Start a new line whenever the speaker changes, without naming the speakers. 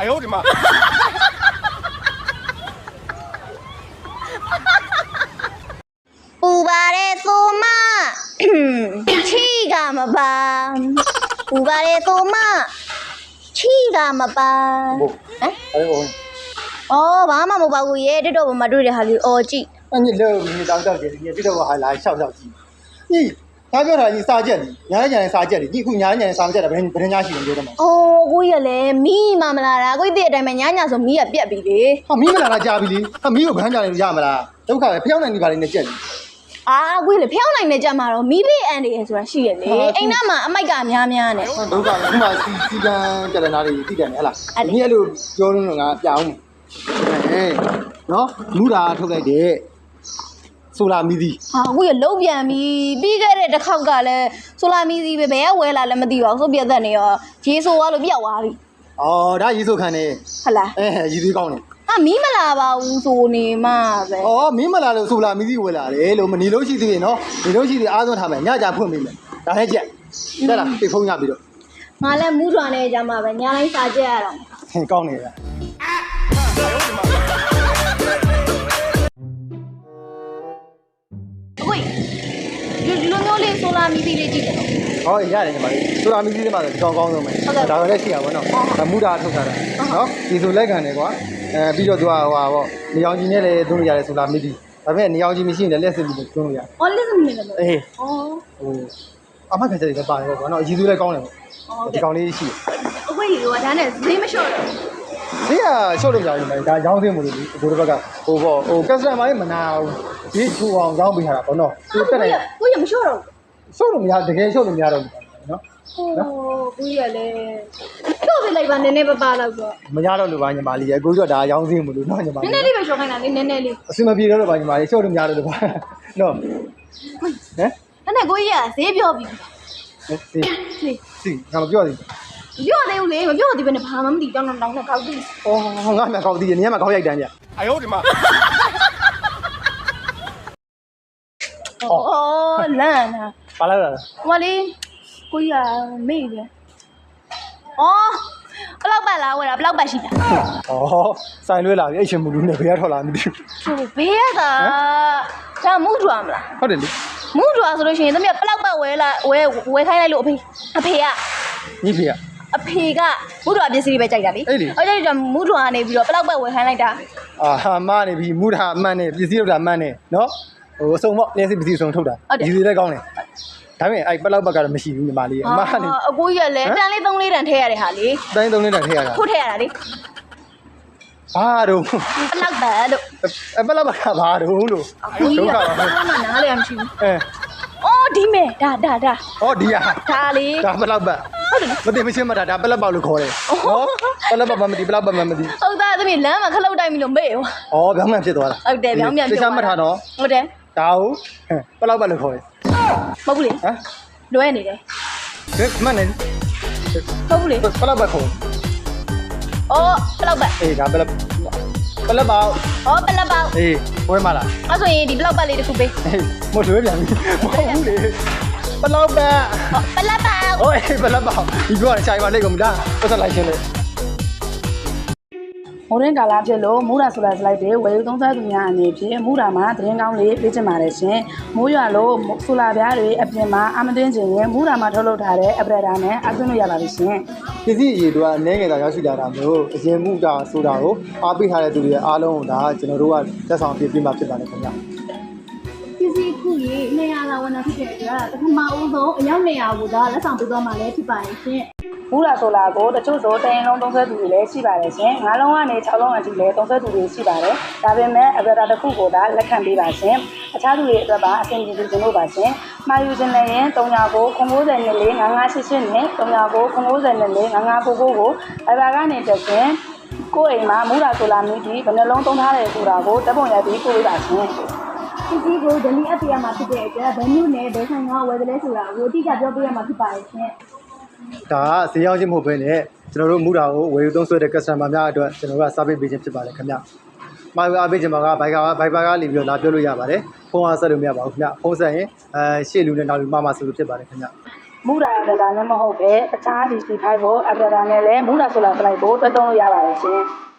哎呦我的妈！
不把的做嘛，气干嘛吧？不把的做嘛，气干嘛吧？
哎呦，
哦，爸妈没把过耶，这都我们做的还是哦记。
那你老你当当的，你这个我还来笑笑鸡。你代表他你撒贱的，伢伢撒贱的，你姑伢伢撒贱的，不是伢喜欢觉得吗？
哦，我也嘞，米妈妈啦，我这代们伢伢说米也别比的。
他米不拿来加比的，他米有看家的家么啦？都看漂亮你把人家贱。
啊，我嘞漂亮的家嘛咯，米被安的说是的嘞，哎那嘛，买个咩咩呢？
都讲了，嘛时间在哪里地点来了？你那路交通啊，讲，哎，喏，路大出来的。苏拉米的
啊，我也路边米，比个嘞这靠个嘞，苏拉米的别回来了没地方，说别的呢哦，接受我了别话的。
哦，他一手看的。
好啦。
哎，一手讲的。
啊，米么啦吧，无所谓嘛呗。
哦，米么啦了，苏拉米的回来了，我们你老西的喏，你老西的阿东他们，伢家碰米们，大海见，对了，被碰伢比了。
俺来木桩的家嘛呗，伢来啥家了？
很讲的。
喂，有没有嘞？苏拉米的嘞几个？
好，一家人嘛，苏拉米的嘛，刚刚的嘛，大概来试下我喏，他木大出来了，好，技术来看的话，比较多话哦，你要今年嘞东家嘞苏拉米的，那边你要今年新的类似的东家。
哦，类似米的。
哎。
哦。
哦，阿妈开这里办的话，喏，技术来讲的，讲的一起。
喂，我家那谁没晓得？
谁呀？晓得不晓得嘛？他养生么的，我这个，我干啥嘛也没拿，你厨房养不下来，不喏。
我也没晓得。
晓得没呀？这个晓得没呀？喏。
哦，不也嘞，晓得来吧？奶奶不扒了个。
没呀了，吧？你妈哩，我说他养生么的，喏你妈。
奶奶里边小看哪里？奶奶里。
什么别的了吧？你妈哩，晓得没呀了吧？喏。哎。
奶奶可以啊，谁不要比？
是，俺们不要的。
不要的有嘞，不要的别那爬嘛，没地方能当那高地。
哦，俺们高地，你们高一点点。哎呦我的妈！
哦，难啊。
咋了？
我哩，可以啊，没的。哦，不老板啦，我啦不老板是的。
哦，三六啦，一千木路呢，不要拖拉米的。
就别的，咱木桩啦。
好的哩。
木桩是လို့ရှိရင်သမီးဘလောက်ပတ်ဝဲလာဝဲခိုင်းလိုက်လို့အဖေက
你ဖေ啊？
အဖေကမူတော်ပစ္စည်းတွေပဲကြိုက်တာလေအဲ့ဒါကြောင့်မူတော်ကနေပြီးတော့ဘလောက်ပတ်ဝဲခိုင်းလိုက်တာ
အာမနေပြီမူတာအမှန်နဲ့ပစ္စည်းတော့မှန်နဲ့နော်ဟိုအစုံပေါ့လက်စစ်ပစ္စည်းစုံထုတ်တာဒီစီလည်းကောင်းတယ်ဒါပေမဲ့အဲ့ပလောက်ပတ်ကတော့မရှိဘူးညီမလေးအမကနေ
အကိုကြီးကလည်းတန်လေး3လေးတန်ထည့်ရတဲ့ဟာလေ
တိုင်း3လေးတန်ထည့်ရတာ
ထုတ်ထည့်ရတာလေ
ဘာတော့
ဘလောက်ပတ်လို့
ပလောက်ပတ်ကဘာတော့လို့
ဒုက္ခပါဘာမှနားလည်းမရှိဘူးအော်ဒီမဲ့ဒါ
ဟောဒီဟာ
ဒါလေ
ဒါပလောက်ပတ်မသိမချင်းမတာဒါပလက်ပေါက်လို့ခေါ်တယ်နော်ပလက်ပေါက်မသိပလောက်ပတ်မသိ
ဟုတ်သားသမီးလမ်းမှာခလုတ်တိုင်းပြီလို့မေ့ရော
ဩပြောင်းမှန်ဖြစ်သွားတာ
ဟုတ်တယ်ပြောင်းပြန်
ဖြစ်သွားတာသိချမှတ်ထားတော့
ဟုတ်တယ်
ဒါဟုတ်ပလောက်ပတ်လို့ခေါ်တယ်
မဟုတ်ဘူးလေ
ဟမ်
လွဲနေတယ်
မှန်နေ
မဟုတ်ဘူးလေ
ပလောက်ပတ်ခေါ်
အော်ဘလောက်ပတ်
အေးဒါပလက်ပေါက်
အော်ဘလောက်ပတ်
အေးဝဲမလား
အဲ့ဆိုရင်ဒီဘလောက်ပတ်လေးတစ်ခုပေး
မလွှဲပြန်ပြီမဟုတ်ဘူးလေဘလောက်ပတ်
ဘလောက်ပတ်
โอ้ยဘလောက်ပတ်ဒီပြောရရှာပါလိုက်ကုန်ပြီလားပတ်သက်လိုက်ရှင်းလေ
မိုးရင်းကာလာဖြစ်လို့မူရာဆိုလာစလိုက်တဲ့ဝယ်ယူသုံးစားသူများအနေဖြင့်မူရာမှာသတင်းကောင်းလေးပေးချင်ပါတယ်ရှင်မိုးရွာလို့ဆိုလာပြားတွေအပြင်မှာအမသွင်းခြင်းရင်မူရာမှာထုတ်လုပ်ထားတဲ့အပရက်တာနဲ့အသွင်းလို့ရပါပြီရှင်
ပစ္စည်းအရေးတို့ကအနေငယ်တာရောက်ရှိလာတာမျိုးအရင်မူတာဆိုတာကိုအားပေးထားတဲ့သူတွေအားလုံးကိုဒါကျွန်တော်တို့ကသက်ဆောင်ပြမှာဖြစ်ပါတယ်ခင်ဗျာ
ပစ္စည်းခုကြီး200လောက်ဝင်တာဖြစ်တဲ့အတွက်ပထမဦးဆုံးအယောက်200ကိုဒါလက်ဆောင်ပေးသွားမှလည်းဖြစ်ပါရဲ့ရှင်
မူရာဆိုလာကိုတချို့ဆိုတရင်လုံးသုံးဆွဲသူတွေလည်းရှိပါတယ်ရှင်9လုံးကနေ6လုံးအထိလည်းသုံးဆွဲသူတွေရှိပါတယ်ဒါပေမဲ့အပရက်တာတစ်ခုကိုဒါလက်ခံပေးပါရှင်အခြားသူတွေအတွက်ပါအဆင်ပြေစေချင်လို့ပါရှင်မှာယူခြင်းလည်းရင်390 990နဲ့4 5588နဲ့390 990နဲ့4 5599ကိုဘိုင်ဘာကနေတက်ရှင်ကိုယ့်အိမ်မှာမူရာဆိုလာမိပြီးဘယ်နှလုံးသုံးထားတယ်ဆိုတာကိုတပ်ပုံရိုက်ပြီးပို့ပေးပါရှင်
ပစ္စည်းကိုဒလီအပ်ပြရမှာဖြစ်တဲ့အတွက်ဘယ်မျိုးနဲ့ဘယ်ဆိုင်ကဝယ်တယ်လဲဆိုတာကိုအတိအကျပြောပြရမှာဖြစ်ပါရဲ့ရှင်
ဒါကဈေးရောက်ခြင်းမဟုတ်ဘဲနဲ့ကျွန်တော်တို့မူတာကိုဝယ်ယူသုံးစွဲတဲ့ customer များအတွက်ကျွန်တော်တို့က service ပေးခြင်းဖြစ်ပါတယ်ခင်ဗျ။မှာအားပေးခြင်းမှာကဘိုက်ပါကနေပြီးတော့လာပြောလို့ရပါတယ်။ဖုန်းအားဆက်လို့မရပါဘူးခင်ဗျ။ဖုန်းဆက်ရင်ရှေ့လူနဲ့နောက်လူမှာဆိုလို့ဖြစ်ပါတယ်ခင်ဗျ။
မူတာလည်းမဟုတ်ပဲတခြားဒီ C5 ကိုအပဒါနဲ့လည်းမူတာဆိုလာစလိုက်ကိုတွဲသုံးလို့ရပါတယ်ရှင်